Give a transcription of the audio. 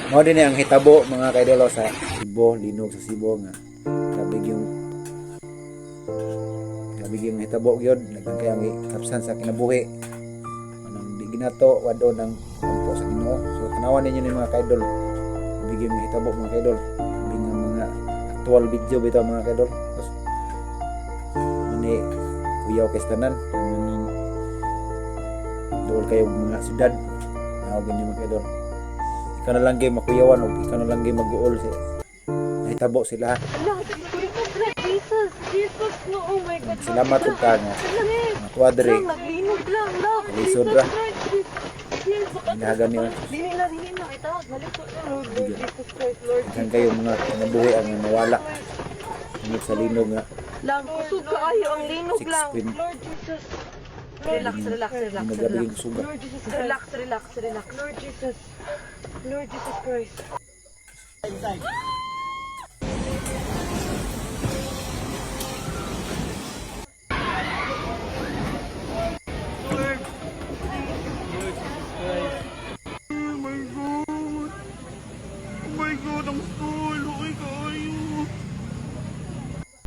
Mao din ang hitabo mga kaidolo sa Cebu, linog sa Cebu nga labig yung hitabo gyud nagkan kay ang kapsan sa kinabuhi anang di ginato wado ng kampo sa Ginoo. So tanawan ninyo ni mga kaidol labig yung hitabo mga kaidol labig nga mga actual video bitaw mga kaidol. Tapos mani kuyaw kay tanan maning dool kayo mga syudad nawag ninyo mga kaidol. Ikaw na lang gay makuyawan o ikaw na lang gay mag-uol sa nahitabo sila. Jesus, no, oh my God. Salamat ug ka nga natuwa diri Naglinog lang, love. Kalisod ra. Hinahagan niyo. Dili na. Ito, maliko na, Lord Jesus Christ, Lord. Ikan kayo mga kinabuhi ang nawala. Init sa linog nga. Lang, kusog kaayo ang linog 6 lang. pin. Lord Jesus. Relax. Nagabiging suga. Lord Jesus, relax. Lord Jesus Christ. Oh my God, ang